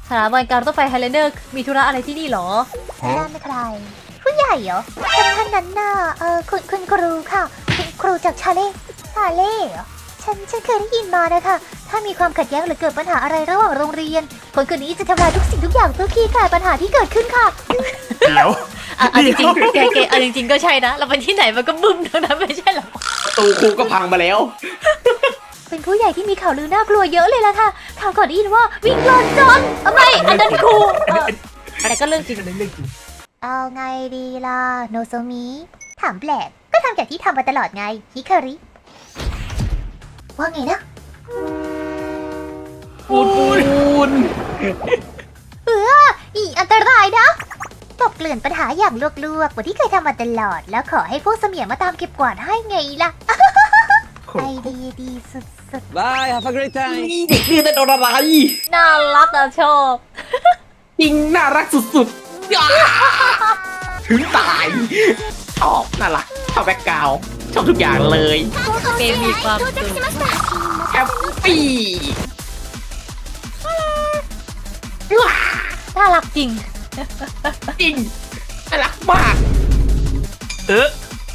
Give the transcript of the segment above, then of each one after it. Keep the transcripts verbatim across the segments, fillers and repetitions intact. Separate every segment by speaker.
Speaker 1: สถาบันการรถไฟไฮแลนเดอร์มีธุระอะไรที่นี่หรอนั่นใครผู้ใหญ่เหรอท่านนั้นน่ะเออคุณคุณครูค่ะคุณครูจากชาเล่ชาเล่เหรอฉันฉันเคยได้ยินมานะคะถ้ามีความขัดแย้งหรือเกิดปัญหาอะไรระหว่างโรงเรียนคนคนนี้จะทำลายทุกสิ่งทุกอย่างเพื่อคลี่คลายปัญหาที่เกิดขึ้นค่ะ
Speaker 2: เดี๋ยว
Speaker 1: อ่ะจริงๆแกแกอ่ะจริงๆก็ใช่นะเราไปที่ไหนมันก็บึ้มทั้งนั้นไม่ใช่หรอ
Speaker 3: ตูครูก็พังมาแล้ว
Speaker 1: เป็นผู้ใหญ่ที่มีข่าวลือน่ากลัวเยอะเลยล่ะค่ะข่าวก่อนได้ยินว่าวิ่งลอนจอนทำไมอันนั้นครูแต่ก็เรื่องจริงเรื่องจริงเอาไงดีล่ะโนโซมิถามแปลกก็ทำจากที่ทำมาตลอดไงฮิคาริว่าไงนะ
Speaker 3: ปูนปูน
Speaker 1: เอออีอันตรายนะตบเกลื่อนปัญหาอย่างลวกๆเหมือนที่เคยทำมาตลอดแล้วขอให้พวกเสมียนมาตามเก็บกวาดให้ไงล่ะไอเดียดีสุดๆ
Speaker 4: Bye have a great time
Speaker 3: นี่เด็กเรียนแต่โดนอะไร
Speaker 1: น่ารักอะชอบ
Speaker 3: จริงน่ารักสุดๆถึงตายชอบน่ารักชอบแบ็คกราวด์ชอบทุกอย่างเลย
Speaker 1: เกมมีความสุข
Speaker 3: แฮปปี้
Speaker 1: น่ารักจริง
Speaker 3: จริงน่ารักมากเออ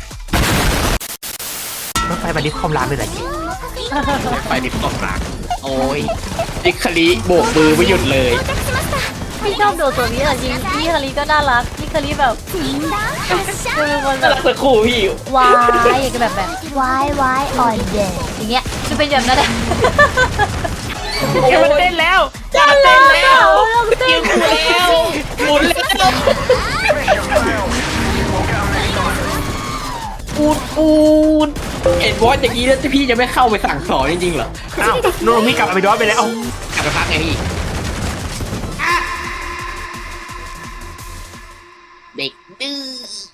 Speaker 3: รถไฟมาดิฟคอมรามเลยเหรอรถไฟดิฟคอมรามโอ้ยดิคาริโบกมือไม่หยุดเลย
Speaker 1: พี่ชอบโดตัวนี้อะจริงพี่คาริก็น่ารักพี่คาริแบบคือมันแบบ
Speaker 3: น่ารักสักคู่พี่
Speaker 1: วายอย่างแบบแบบวายวายออนเดย์อย่างเงี้ยจะเป็นแบบนั้นแหละ
Speaker 3: เดี๋ยวมันเต้นแล้วจะเต้นแล้วเต้นแล้วหมุนแล้วปูนปูนเห็นบอสอย่างนี้แล้วพี่จะไม่เข้าไปสั่งสอนจริงๆเหรอ
Speaker 2: อ้าวโนโนมิกลับไปดอสไปแล้ว
Speaker 3: กลับไปพักไงพี่เด็กดื้อ